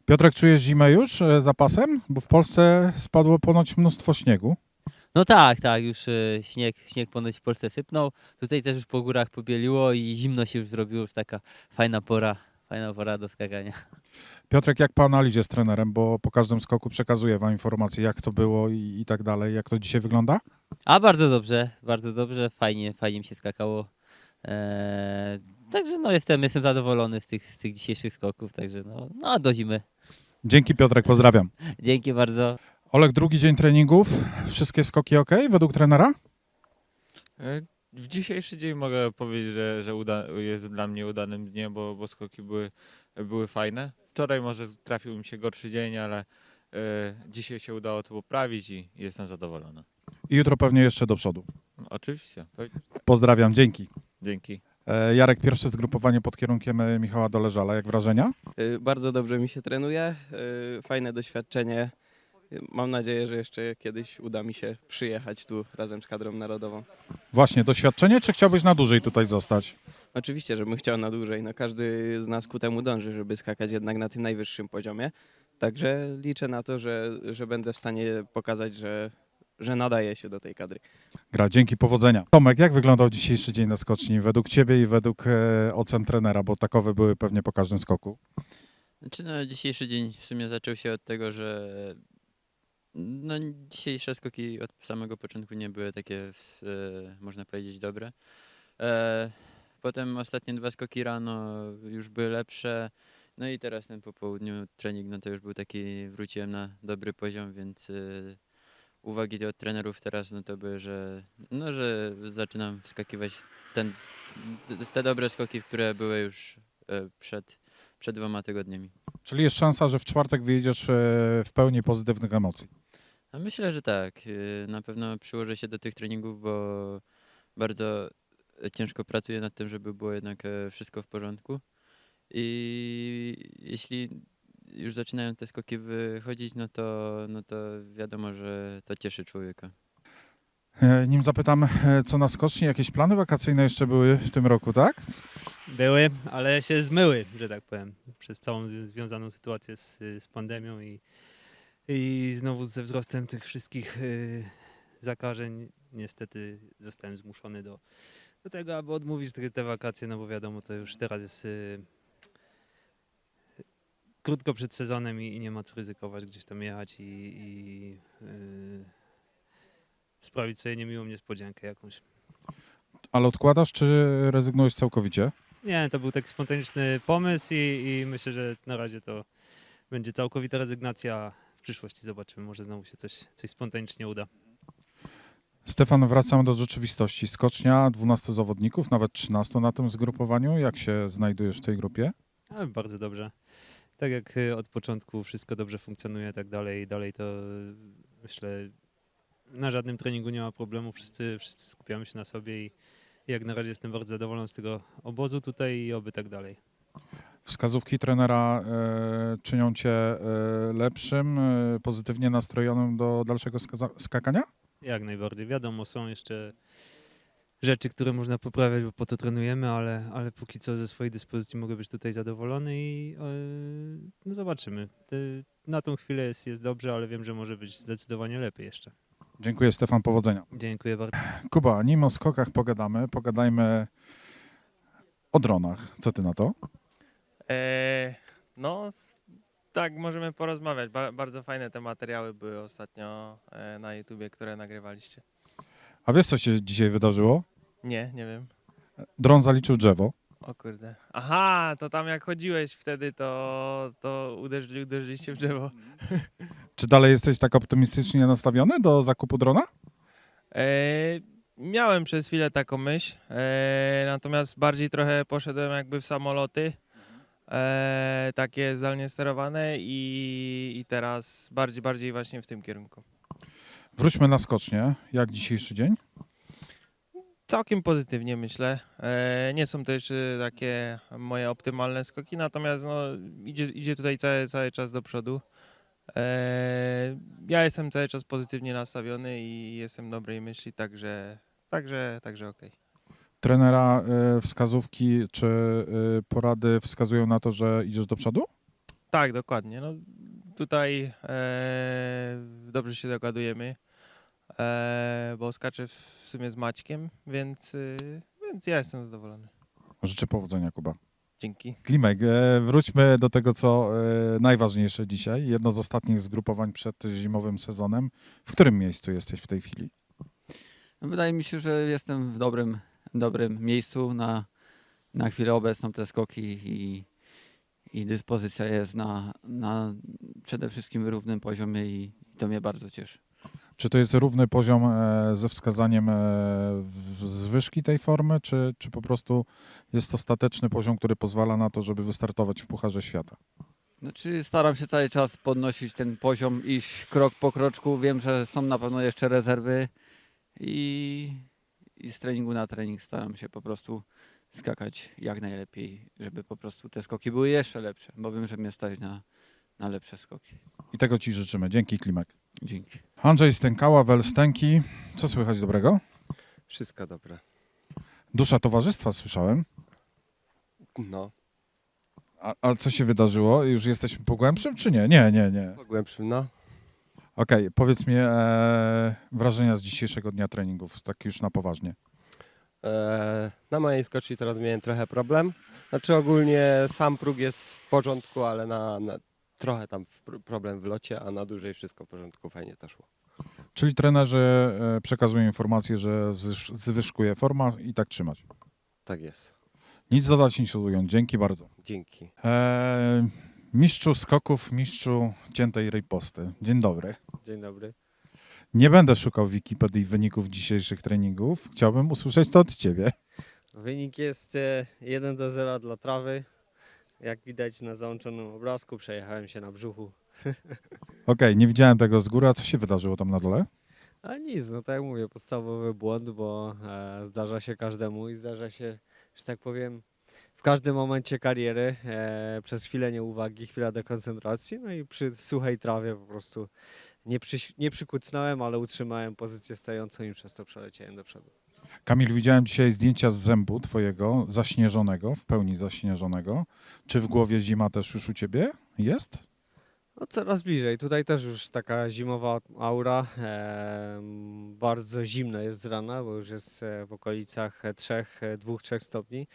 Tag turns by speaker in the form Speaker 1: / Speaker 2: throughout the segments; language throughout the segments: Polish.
Speaker 1: Piotrek, czujesz zimę już za pasem? Bo w Polsce spadło ponoć mnóstwo śniegu.
Speaker 2: No tak, tak, już śnieg ponoć w Polsce sypnął. Tutaj też już po górach pobieliło i zimno się już zrobiło, już taka fajna pora do skakania.
Speaker 1: Piotrek, jak po analizie z trenerem, bo po każdym skoku przekazuje wam informacje, jak to było i tak dalej. Jak to dzisiaj wygląda?
Speaker 2: A bardzo dobrze, fajnie mi się skakało. Także no jestem zadowolony z tych dzisiejszych skoków, także no do zimy.
Speaker 1: Dzięki Piotrek, pozdrawiam.
Speaker 2: Dzięki bardzo.
Speaker 1: Olek, drugi dzień treningów. Wszystkie skoki ok według trenera?
Speaker 3: W dzisiejszy dzień mogę powiedzieć, że jest dla mnie udanym dniem, bo skoki były fajne. Wczoraj może trafił mi się gorszy dzień, ale dzisiaj się udało to poprawić i jestem zadowolony.
Speaker 1: I jutro pewnie jeszcze do przodu.
Speaker 3: Oczywiście.
Speaker 1: Pozdrawiam, dzięki.
Speaker 3: Dzięki.
Speaker 1: Jarek, pierwsze zgrupowanie pod kierunkiem Michała Doleżala. Jak wrażenia?
Speaker 4: Bardzo dobrze mi się trenuje, fajne doświadczenie. Mam nadzieję, że jeszcze kiedyś uda mi się przyjechać tu razem z kadrą narodową.
Speaker 1: Właśnie, doświadczenie, czy chciałbyś na dłużej tutaj zostać?
Speaker 4: Oczywiście, żebym chciał na dłużej. No, każdy z nas ku temu dąży, żeby skakać jednak na tym najwyższym poziomie. Także liczę na to, że będę w stanie pokazać, że nadaje się do tej kadry.
Speaker 1: Gra, dzięki, powodzenia. Tomek, jak wyglądał dzisiejszy dzień na skoczni według ciebie i według ocen trenera, bo takowe były pewnie po każdym skoku?
Speaker 5: Znaczy, no, dzisiejszy dzień w sumie zaczął się od tego, że no, dzisiejsze skoki od samego początku nie były takie, można powiedzieć, dobre. Potem ostatnie dwa skoki rano już były lepsze. No i teraz ten po południu trening, no to już był taki, wróciłem na dobry poziom, więc uwagi od trenerów teraz no to były, że zaczynam wskakiwać w te dobre skoki, które były już przed 2 tygodniami.
Speaker 1: Czyli jest szansa, że w czwartek wyjedziesz w pełni pozytywnych emocji.
Speaker 5: A myślę, że tak. Na pewno przyłożę się do tych treningów, bo bardzo ciężko pracuję nad tym, żeby było jednak wszystko w porządku. I jeśli już zaczynają te skoki wychodzić, no to wiadomo, że to cieszy człowieka.
Speaker 1: Nim zapytam, co na skoczni, jakieś plany wakacyjne jeszcze były w tym roku, tak?
Speaker 6: Były, ale się zmyły, że tak powiem, przez całą związaną sytuację z pandemią i znowu ze wzrostem tych wszystkich zakażeń. Niestety zostałem zmuszony do tego, aby odmówić te wakacje, no bo wiadomo, to już teraz jest krótko przed sezonem i nie ma co ryzykować, gdzieś tam jechać i sprawić sobie niemiłą niespodziankę jakąś.
Speaker 1: Ale odkładasz, czy rezygnujesz całkowicie?
Speaker 6: Nie, to był taki spontaniczny pomysł i myślę, że na razie to będzie całkowita rezygnacja. W przyszłości zobaczymy, może znowu się coś spontanicznie uda.
Speaker 1: Stefan, wracamy do rzeczywistości. Skocznia, 12 zawodników, nawet 13 na tym zgrupowaniu. Jak się znajdujesz w tej grupie?
Speaker 6: Ale bardzo dobrze. Tak jak od początku wszystko dobrze funkcjonuje, tak dalej to myślę, na żadnym treningu nie ma problemu. Wszyscy skupiamy się na sobie i jak na razie jestem bardzo zadowolony z tego obozu tutaj i oby tak dalej.
Speaker 1: Wskazówki trenera czynią cię lepszym, pozytywnie nastrojonym do dalszego skakania?
Speaker 6: Jak najbardziej. Wiadomo, są jeszcze rzeczy, które można poprawiać, bo po to trenujemy, ale póki co ze swojej dyspozycji mogę być tutaj zadowolony i no zobaczymy. Na tą chwilę jest dobrze, ale wiem, że może być zdecydowanie lepiej jeszcze.
Speaker 1: Dziękuję, Stefan, powodzenia.
Speaker 6: Dziękuję bardzo.
Speaker 1: Kuba, nim o skokach pogadajmy o dronach. Co ty na to?
Speaker 7: No, tak, możemy porozmawiać. Bardzo fajne te materiały były ostatnio na YouTubie, które nagrywaliście.
Speaker 1: A wiesz, co się dzisiaj wydarzyło?
Speaker 7: Nie wiem.
Speaker 1: Dron zaliczył drzewo.
Speaker 7: O kurde. Aha, to tam jak chodziłeś wtedy, to uderzyliście w drzewo.
Speaker 1: Czy dalej jesteś tak optymistycznie nastawiony do zakupu drona?
Speaker 7: Miałem przez chwilę taką myśl, natomiast bardziej trochę poszedłem jakby w samoloty, takie zdalnie sterowane i teraz bardziej właśnie w tym kierunku.
Speaker 1: Wróćmy na skocznię. Jak dzisiejszy dzień?
Speaker 7: Całkiem pozytywnie myślę. Nie są to jeszcze takie moje optymalne skoki, natomiast no, idzie tutaj cały czas do przodu. Ja jestem cały czas pozytywnie nastawiony i jestem dobrej myśli, także okej.
Speaker 1: Trenera wskazówki czy porady wskazują na to, że idziesz do przodu?
Speaker 7: Tak, dokładnie. No, tutaj dobrze się dogadujemy, bo skaczę w sumie z Maćkiem, więc ja jestem zadowolony.
Speaker 1: Życzę powodzenia, Kuba.
Speaker 7: Dzięki.
Speaker 1: Klimek, wróćmy do tego, co najważniejsze dzisiaj. Jedno z ostatnich zgrupowań przed zimowym sezonem. W którym miejscu jesteś w tej chwili?
Speaker 8: No, wydaje mi się, że jestem w dobrym miejscu na chwilę obecną. Te skoki i dyspozycja jest na przede wszystkim równym poziomie i to mnie bardzo cieszy.
Speaker 1: Czy to jest równy poziom ze wskazaniem zwyżki tej formy, czy po prostu jest ostateczny poziom, który pozwala na to, żeby wystartować w Pucharze Świata?
Speaker 8: Znaczy staram się cały czas podnosić ten poziom, iść krok po kroczku. Wiem, że są na pewno jeszcze rezerwy i z treningu na trening staram się po prostu skakać jak najlepiej, żeby po prostu te skoki były jeszcze lepsze, bo wiem, że mnie stać na lepsze skoki.
Speaker 1: I tego Ci życzymy. Dzięki, Klimek.
Speaker 8: Dzięki.
Speaker 1: Andrzej Stękała, Welstęki. Co słychać dobrego?
Speaker 9: Wszystko dobre.
Speaker 1: Dusza towarzystwa słyszałem.
Speaker 9: No,
Speaker 1: A co się wydarzyło? Już jesteśmy po głębszym, czy nie? Nie.
Speaker 9: po głębszym, no.
Speaker 1: Okej, powiedz mi wrażenia z dzisiejszego dnia treningów, tak już na poważnie.
Speaker 9: Na mojej skoczni teraz miałem trochę problem. Znaczy ogólnie sam próg jest w porządku, ale trochę tam problem w locie, a na dłużej wszystko w porządku, fajnie to szło.
Speaker 1: Czyli trenerzy przekazują informację, że zwyżkuje forma i tak trzymać.
Speaker 9: Tak jest.
Speaker 1: Nic dodać, nic ująć. Dzięki bardzo.
Speaker 9: Dzięki.
Speaker 1: Mistrzu skoków, mistrzu ciętej riposty. Dzień dobry.
Speaker 10: Dzień dobry.
Speaker 1: Nie będę szukał w Wikipedii wyników dzisiejszych treningów. Chciałbym usłyszeć to od Ciebie.
Speaker 10: Wynik jest 1-0 dla trawy. Jak widać na załączonym obrazku, przejechałem się na brzuchu.
Speaker 1: Okej, nie widziałem tego z góry, a co się wydarzyło tam na dole?
Speaker 10: A nic, no tak jak mówię, podstawowy błąd, bo zdarza się każdemu i zdarza się, że tak powiem, w każdym momencie kariery. Przez chwilę nieuwagi, chwila dekoncentracji, no i przy suchej trawie po prostu nie przykucnąłem, ale utrzymałem pozycję stojącą i przez to przeleciałem do przodu.
Speaker 1: Kamil, widziałem dzisiaj zdjęcia z zębu Twojego, zaśnieżonego, w pełni zaśnieżonego. Czy w głowie zima też już u Ciebie jest?
Speaker 10: No coraz bliżej. Tutaj też już taka zimowa aura. Bardzo zimno jest z rana, bo już jest w okolicach 2-3 stopni.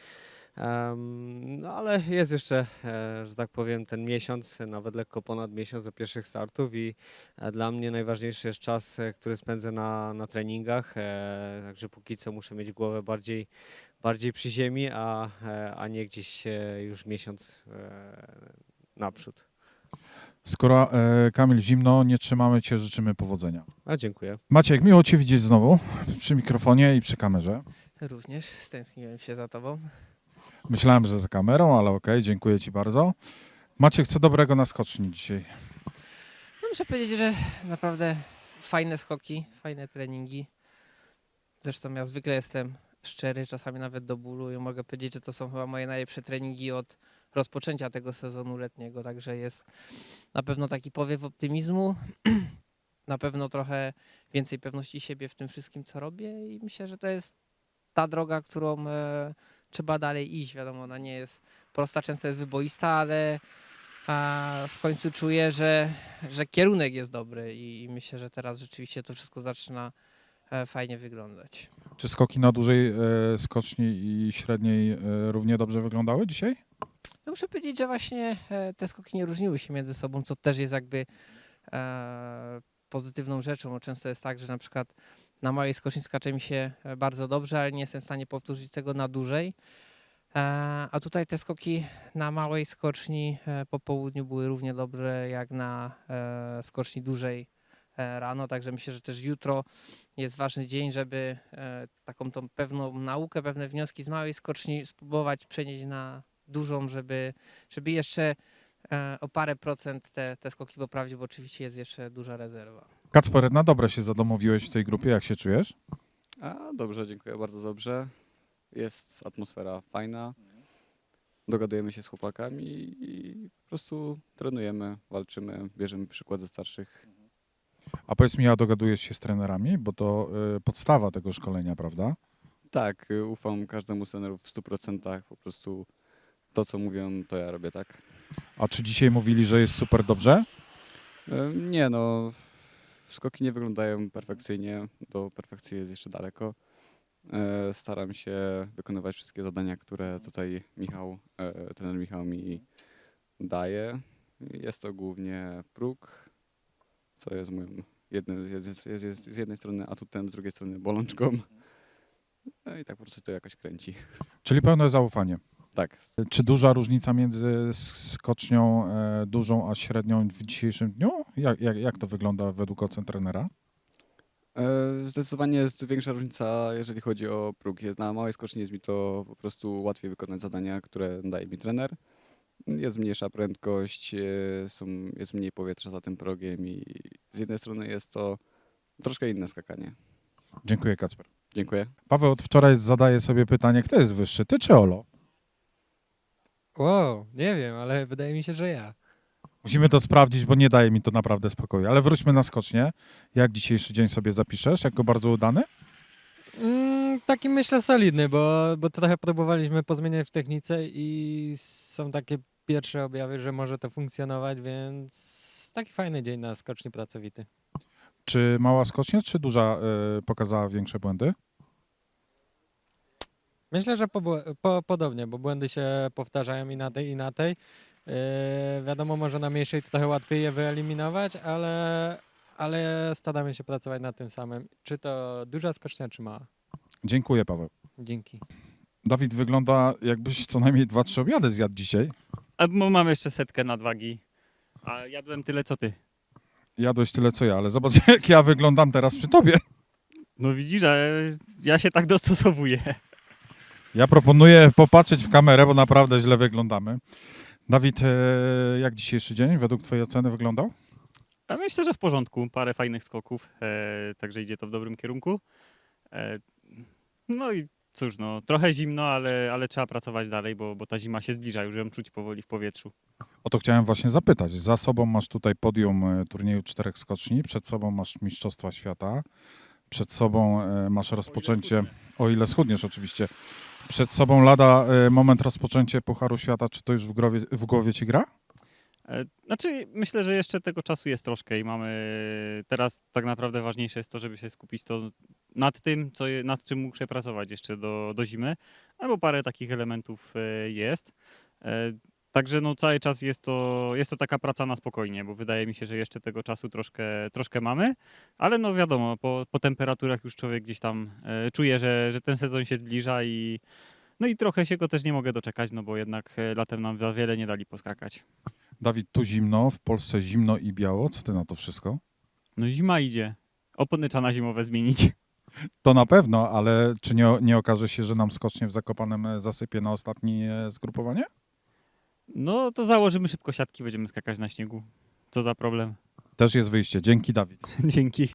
Speaker 10: No ale jest jeszcze, że tak powiem, ten miesiąc, nawet lekko ponad miesiąc do pierwszych startów i dla mnie najważniejszy jest czas, który spędzę na treningach. Także póki co muszę mieć głowę bardziej przy ziemi, a nie gdzieś już miesiąc naprzód.
Speaker 1: Skoro Kamil zimno, nie trzymamy Cię, życzymy powodzenia.
Speaker 10: A dziękuję.
Speaker 1: Maciek, miło Cię widzieć znowu przy mikrofonie i przy kamerze.
Speaker 11: Również stęskniłem się za tobą.
Speaker 1: Myślałem, że za kamerą, ale okej, dziękuję Ci bardzo. Maciek, co dobrego na skoczni dzisiaj?
Speaker 11: No muszę powiedzieć, że naprawdę fajne skoki, fajne treningi. Zresztą ja zwykle jestem szczery, czasami nawet do bólu i mogę powiedzieć, że to są chyba moje najlepsze treningi od rozpoczęcia tego sezonu letniego, także jest na pewno taki powiew optymizmu, na pewno trochę więcej pewności siebie w tym wszystkim, co robię i myślę, że to jest ta droga, którą trzeba dalej iść. Wiadomo, ona nie jest prosta, często jest wyboista, ale w końcu czuję, że kierunek jest dobry i myślę, że teraz rzeczywiście to wszystko zaczyna fajnie wyglądać.
Speaker 1: Czy skoki na dużej skoczni i średniej równie dobrze wyglądały dzisiaj?
Speaker 11: No muszę powiedzieć, że właśnie te skoki nie różniły się między sobą, co też jest jakby pozytywną rzeczą. Bo często jest tak, że na przykład na małej skoczni skacze mi się bardzo dobrze, ale nie jestem w stanie powtórzyć tego na dużej. A tutaj te skoki na małej skoczni po południu były równie dobre jak na skoczni dużej rano, także myślę, że też jutro jest ważny dzień, żeby taką tą pewną naukę, pewne wnioski z małej skoczni spróbować przenieść na dużą, żeby jeszcze o parę procent te skoki poprawić, bo oczywiście jest jeszcze duża rezerwa.
Speaker 1: Kacper, na dobre się zadomowiłeś w tej grupie, jak się czujesz?
Speaker 12: Dobrze, dziękuję, bardzo dobrze. Jest atmosfera fajna, dogadujemy się z chłopakami i po prostu trenujemy, walczymy, bierzemy przykład ze starszych.
Speaker 1: A powiedz mi, a dogadujesz się z trenerami, bo to podstawa tego szkolenia, prawda?
Speaker 12: Tak, ufam każdemu z trenerów w 100%, po prostu to, co mówią, to ja robię, tak?
Speaker 1: A czy dzisiaj mówili, że jest super dobrze?
Speaker 12: Nie no, skoki nie wyglądają perfekcyjnie, do perfekcji jest jeszcze daleko. Staram się wykonywać wszystkie zadania, które tutaj trener Michał mi daje. Jest to głównie próg, co jest moim z jednej strony atutem, z drugiej strony bolączką. No i tak po prostu to jakoś kręci.
Speaker 1: Czyli pełne zaufanie.
Speaker 12: Tak.
Speaker 1: Czy duża różnica między skocznią dużą a średnią w dzisiejszym dniu? Jak to wygląda według ocen trenera?
Speaker 12: Zdecydowanie jest większa różnica, jeżeli chodzi o próg. Na małej skoczni jest mi to po prostu łatwiej wykonać zadania, które daje mi trener. Jest mniejsza prędkość, jest mniej powietrza za tym progiem i z jednej strony jest to troszkę inne skakanie.
Speaker 1: Dziękuję, Kacper.
Speaker 12: Dziękuję.
Speaker 1: Paweł od wczoraj zadaje sobie pytanie, kto jest wyższy, ty czy Olo?
Speaker 13: Wow, nie wiem, ale wydaje mi się, że ja.
Speaker 1: Musimy to sprawdzić, bo nie daje mi to naprawdę spokoju. Ale wróćmy na skocznię. Jak dzisiejszy dzień sobie zapiszesz? Jako bardzo udany?
Speaker 13: Taki myślę solidny, bo trochę próbowaliśmy pozmieniać w technice i są takie pierwsze objawy, że może to funkcjonować, więc taki fajny dzień na skoczni pracowity.
Speaker 1: Czy mała skocznia, czy duża pokazała większe błędy?
Speaker 13: Myślę, że podobnie, bo błędy się powtarzają i na tej. Wiadomo, może na mniejszej trochę łatwiej je wyeliminować, ale staramy się pracować nad tym samym. Czy to duża skocznia, czy mała.
Speaker 1: Dziękuję, Paweł.
Speaker 13: Dzięki.
Speaker 1: Dawid, wygląda jakbyś co najmniej 2-3 obiady zjadł dzisiaj.
Speaker 14: Mam jeszcze 100 nadwagi, a jadłem tyle co ty.
Speaker 1: Jadłeś tyle co ja, ale zobacz jak ja wyglądam teraz przy tobie.
Speaker 14: No widzisz, że ja się tak dostosowuję.
Speaker 1: Ja proponuję popatrzeć w kamerę, bo naprawdę źle wyglądamy. Dawid, jak dzisiejszy dzień według twojej oceny wyglądał?
Speaker 14: A myślę, że w porządku. Parę fajnych skoków, także idzie to w dobrym kierunku. No i cóż, no trochę zimno, ale trzeba pracować dalej, bo ta zima się zbliża, już ją czuć powoli w powietrzu.
Speaker 1: O to chciałem właśnie zapytać. Za sobą masz tutaj podium turnieju 4 skoczni, przed sobą masz Mistrzostwa Świata, przed sobą masz rozpoczęcie, o ile schudniesz oczywiście, przed sobą lada moment rozpoczęcie Pucharu Świata. Czy to już w głowie ci gra?
Speaker 14: Znaczy, myślę, że jeszcze tego czasu jest troszkę i mamy teraz tak naprawdę ważniejsze jest to, żeby się skupić nad tym, nad czym muszę pracować jeszcze do zimy, albo parę takich elementów jest. Także no, cały czas jest to taka praca na spokojnie, bo wydaje mi się, że jeszcze tego czasu troszkę mamy, ale no wiadomo, po temperaturach już człowiek gdzieś tam czuje, że ten sezon się zbliża i trochę się go też nie mogę doczekać, no bo jednak latem nam za wiele nie dali poskakać.
Speaker 1: Dawid, tu zimno, w Polsce zimno i biało. Co ty na to wszystko?
Speaker 14: No zima idzie. Opony trzeba na zimowe zmienić.
Speaker 1: To na pewno, ale czy nie okaże się, że nam skocznie w Zakopanem zasypie na ostatnie zgrupowanie?
Speaker 14: No to założymy szybko siatki, będziemy skakać na śniegu. Co za problem.
Speaker 1: Też jest wyjście. Dzięki, Dawid.
Speaker 14: Dzięki.